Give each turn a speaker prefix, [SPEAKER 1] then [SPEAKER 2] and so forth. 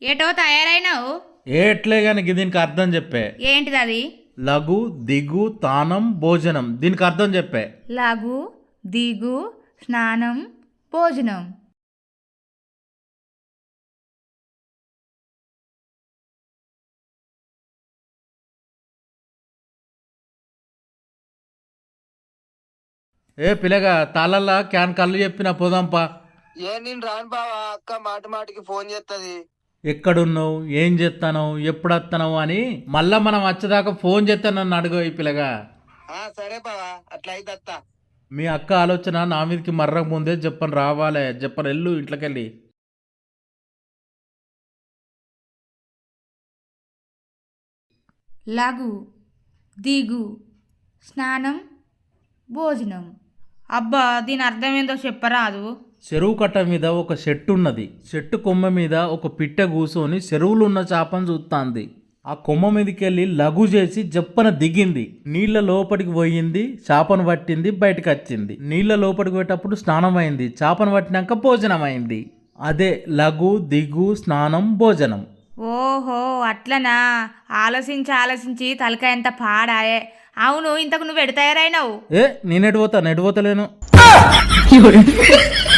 [SPEAKER 1] ఏటో తయారైనావు?
[SPEAKER 2] ఏట్లే గాని దీనికి అర్థం చెప్పే.
[SPEAKER 1] ఏంటిది అది?
[SPEAKER 2] లఘు దిగు తానం భోజనం, దీనికి అర్థం చెప్పే.
[SPEAKER 1] లఘు దిగు స్నానం భోజనం.
[SPEAKER 2] ఏ పిల్లగా తాళల్లా క్యాన్ కళ్ళు చెప్పిన పోదాంపా.
[SPEAKER 3] నేను రాను బావా, అక్క మాటి మాటికి ఫోన్ చేస్తుంది.
[SPEAKER 2] ఎక్కడున్నావు, ఏం చేస్తానో, ఎప్పుడు వస్తానో అని మళ్ళా మనం వచ్చేదాకా ఫోన్ చేస్తానని అడుగు ఈ పిల్లగా.
[SPEAKER 3] సరే బావా, అట్లా అయితే అత్త.
[SPEAKER 2] మీ అక్క ఆలోచన నా మీదకి మర్రకు ముందే చెప్పని రావాలే, చెప్పని వెళ్ళు ఇంట్లోకెళ్ళి.
[SPEAKER 1] లఘు దిగు స్నానం భోజనం. అబ్బా దీని అర్థం ఏందో చెప్పరాదు?
[SPEAKER 2] చెరువు కట్ట మీద ఒక చెట్టు ఉన్నది. చెట్టు కొమ్మ మీద ఒక పిట్ట కూసోని చెరువులో ఉన్న చేపను చూస్తాంది. ఆ కొమ్మ మీదకెళ్ళి లఘు చేసి జప్పన దిగింది. నీళ్ల లోపలికి పోయింది, చేపను పట్టింది, బయటకు వచ్చింది. నీళ్ల లోపలికి పోయేటప్పుడు స్నానం అయింది, చేపను పట్టినాక భోజనం అయింది. అదే లఘు దిగు స్నానం భోజనం.
[SPEAKER 1] ఓహో అట్లనా? ఆలోచించి ఆలోచించి తలకాయ ఎంత పాడాయే. అవును, ఇంతకు నువ్వు ఎడు తయారైనావు?
[SPEAKER 2] నేనెటు పోతా, నెటు పోతలేను.